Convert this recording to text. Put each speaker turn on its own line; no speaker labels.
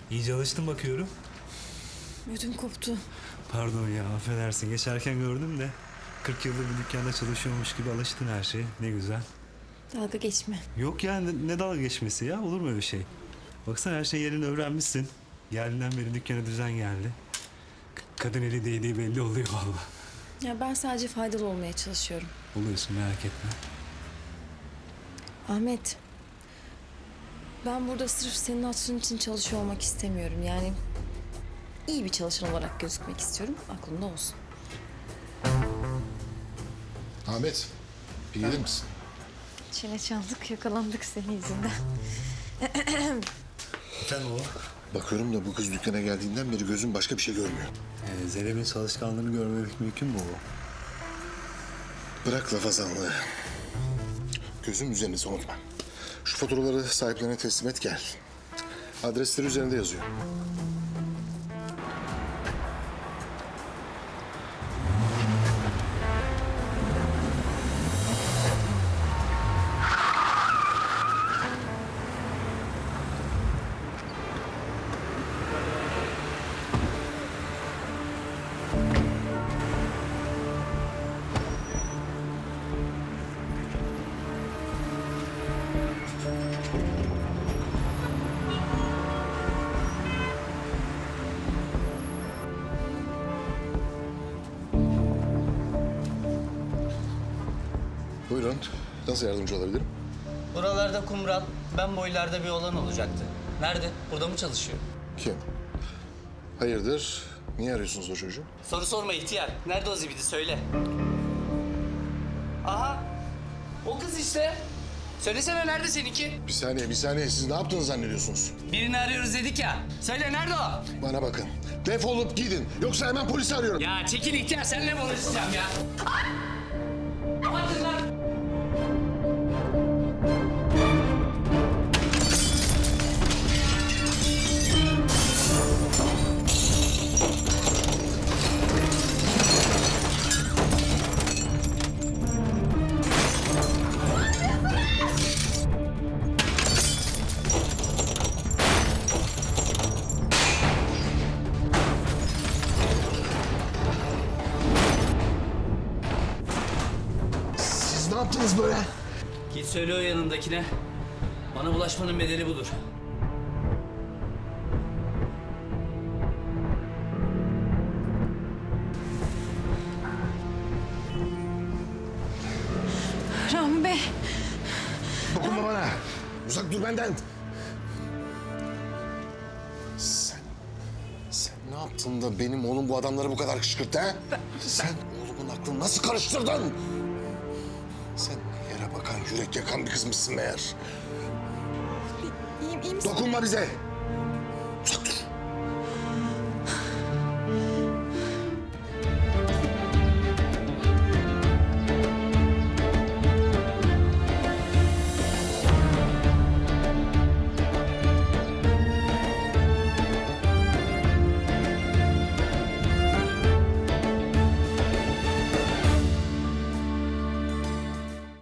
İyice alıştım bakıyorum.
Ödüm koptu.
Pardon ya, affedersin. Geçerken gördüm de 40 yıldır bir dükkanda çalışıyormuş gibi alıştın her şeye. Ne güzel.
Dalga geçme.
Yok ya, ne dalga geçmesi ya? Olur mu öyle şey? Baksana, her şey yerini öğrenmişsin. Geldiğinden beri dükkana düzen geldi. Kadın eli değdiği belli oluyor vallahi.
Ya ben sadece faydalı olmaya çalışıyorum.
Oluyorsun, merak etme.
Ahmet. Ben burada sırf senin hatırın için çalışıyor olmak istemiyorum. Yani iyi bir çalışan olarak gözükmek istiyorum. Aklında olsun.
Ahmet, bir gelir misin?
Çene çaldık, yakalandık senin yüzünden.
Sen o.
Bakıyorum da bu kız dükkana geldiğinden beri gözüm başka bir şey görmüyor.
Zeynep'in çalışkanlığını görmemek mümkün mü o?
Bırak lafazanlığı. Gözüm üzerinde, unutma. Şu faturaları sahiplerine teslim et, gel. Adresleri üzerinde yazıyor. Buyurun, nasıl yardımcı olabilirim?
Buralarda kumral, ben boylarda bir oğlan olacaktı. Nerede? Burada mı çalışıyor?
Kim? Hayırdır, niye arıyorsunuz o çocuğu?
Soru sorma ihtiyar. Nerede o zibidi söyle. Aha! O kız işte. Söylesene nerede seninki?
Bir saniye, siz ne yaptığını zannediyorsunuz?
Birini arıyoruz dedik ya. Söyle nerede o?
Bana bakın, defolup gidin, yoksa hemen polisi arıyorum.
Ya çekil ihtiyar, seninle mi uğraşacağım ya? Hadi lan!
Siz ne yaptınız böyle?
Git söyle o yanındakine. Bana bulaşmanın bedeli budur.
Rami Bey.
Dokunma bana. Uzak dur benden. Sen ne yaptın da benim oğlum bu adamları bu kadar kışkırttı ha? Sen oğlumun aklını nasıl karıştırdın? Sen yere bakan, yürek yakan bir kızmışsın meğer.
İyiyim misin?
Dokunma bize.